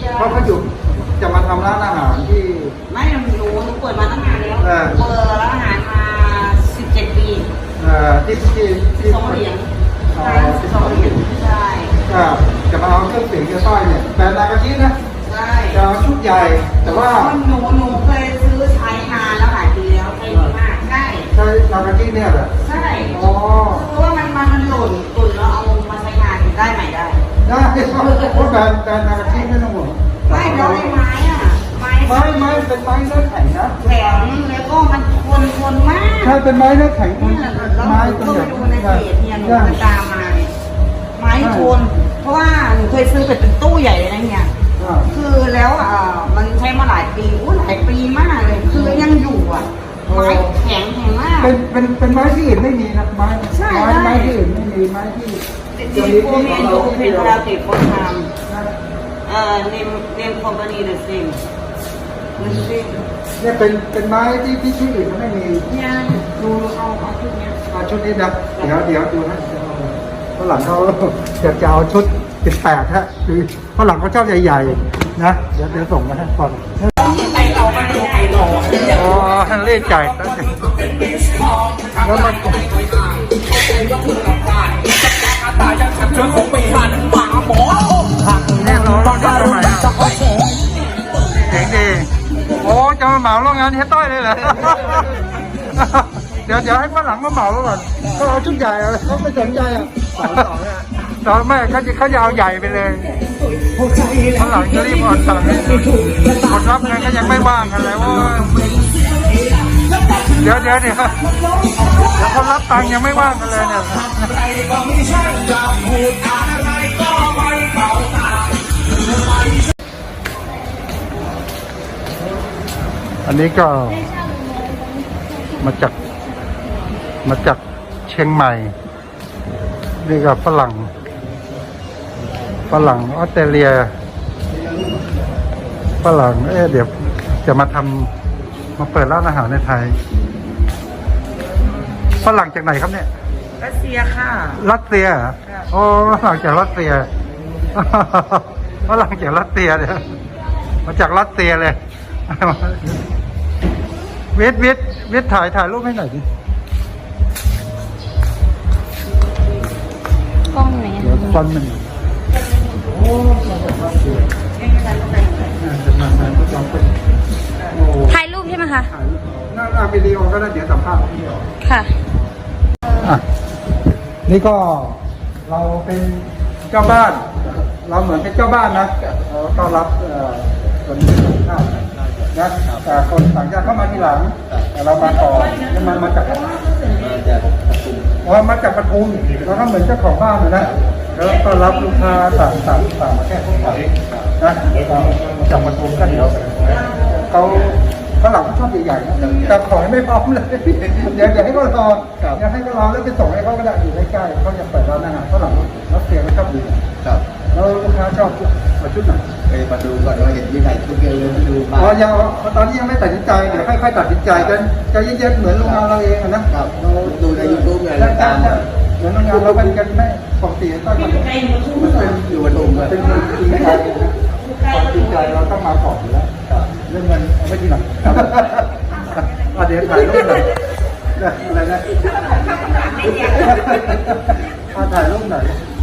เพราะเขาอยู่จะมาทำร้านอาหารที่ไม่หนูเปิดมาตั้งนานแล้วเปิดร้านอาหารมา17 ปีที่สองเหรียญใช่2 เหรียญใช่จะมาเอาเครื่องเสียงเกียร์ต้อยเนี่ยแบรนด์นากาชินะใช่จะเอาชุดใหญ่แต่ว่าหนูเคยซื้อใช้นานแล้วหลายปีแล้วใช้ดีมากใช่นากาชิเนี่ยเหรอใช่คือว่ามันหล่นแล้วเอามาใช้งานได้ใหม่ได้เพราะแบรนด์นากาชิไม่ต้องห่วงไม่แล้วไม้อะไม้เป็นไม้เนื้อแข็งนะแข็งแล้วก็มันทนมากใช่เป็นไม้เนื้อแข็งไม้ตัวใหญ่ดูในเพจเนี่ยหนูไปตามมาไม้ทนเพราะว่าหนูเคยซื้อเป็นตู้ใหญ่เลยนะเนี่ยคือแล้วมันใช้มาหลายปีหลายปีมากเลยคือยังอยู่ไม้แข็งมากเป็นไม้ที่อื่นไม่มีนะไม้ที่อื่นไม่มีไม้ที่ดีโฟเมนดูเป็นพลาสติกโคทามเนมคอมพานีเดอะซิมเนี่ยเป็นไม้ที่อื่นเขาไม่มีเนี่ยดูเอาชุดนี้ชุดนี้นะเดี๋ยวดูนะฝรั่งเขาจะเอาชุด18ฮะคือฝรั่งเขาชอบใหญ่ๆนะเดี๋ยวส่งมาให้ก่อนอ๋อฮันเล่จ่ายแล้วมาแน่นอนเราจะทำไมเจ๋งดีโอ้จะมาเหมาโรงงานเฮต้อยเลยเหรอเดี๋ยวให้ฝรั่งมาเหมาก่อนเขาเอาชุดใหญ่เขาไม่สนใจต่อแม่เขาจะเอาใหญ่ไปเลยฝรั่งจะรีบอ่อนสั่งคนรับงานก็ยังไม่ว่างกันเลยว่าเดี๋ยวคนรับตังค์ยังไม่ว่างกันเลยเนี่ยอันนี้ก็มาจากเชียงใหม่นี่ก็ฝรั่งออสเตรเลียฝรั่งเดี๋ยวจะมาเปิดร้านอาหารในไทยฝรั่งจากไหนครับเนี่ยรัสเซียค่ะรัสเซียโอ้ฝรั่งจากรัสเซียฝรั่งจากรัสเซียเนี่ยมาจากรัสเซียเลยวิทถ่ายรูปให้หน่อยดิกล้องไหนกล้องมันถ่ายรูปใช่ไหมคะหน้าวิดีโอก็ได้เดี๋ยวสัมภาษณ์ค่ะนี่ก็เราเป็นเจ้าบ้านเราเหมือนเป็นเจ้าบ้านนะเราต้อนรับคนต่างชาตินะแต่คนต่างชาติเข้ามาทีหลังแต่เรามาต่อมาจากปทุมเราก็เหมือนเจ้าของบ้านนะแล้วต้อนรับลูกค้าต่างมาแค่พวกเรานะจากปทุมก็เดี๋ยวเขาฝรั่งชอบใหญ่ๆแต่ขอให้ไม่พร้อมเลยเดี๋ยวให้เขารอแล้วไปส่งให้เขาก็ได้อยู่ใกล้ๆเขาอยากเปิดร้านอาหารฝรั่งรัสเซียก็ชอบดูแล้วลูกค้าชอบชุดไหนมาดูก่อนว่าเห็นมีไหนชุดเดียวเลยมาดูยังตอนนี้ยังไม่ตัดสินใจเดี๋ยวค่อยๆตัดสินใจกันใจเย็นๆเหมือนโรงงานเราเองนะเราดูในยูทูบไงแล้วตามเหมือนโรงงานเราเป็นกันไม่ปกติต้องมันเป็นอยู่บนตุ้มเป็นจริงใจความจริงใจเราต้องมาก่อนอยู่แล้วเรื่องเงินเอาไว้ทีหลังเดี๋ยวถ่ายรูปหน่อยอะไรนะถ่ายรูปหน่อย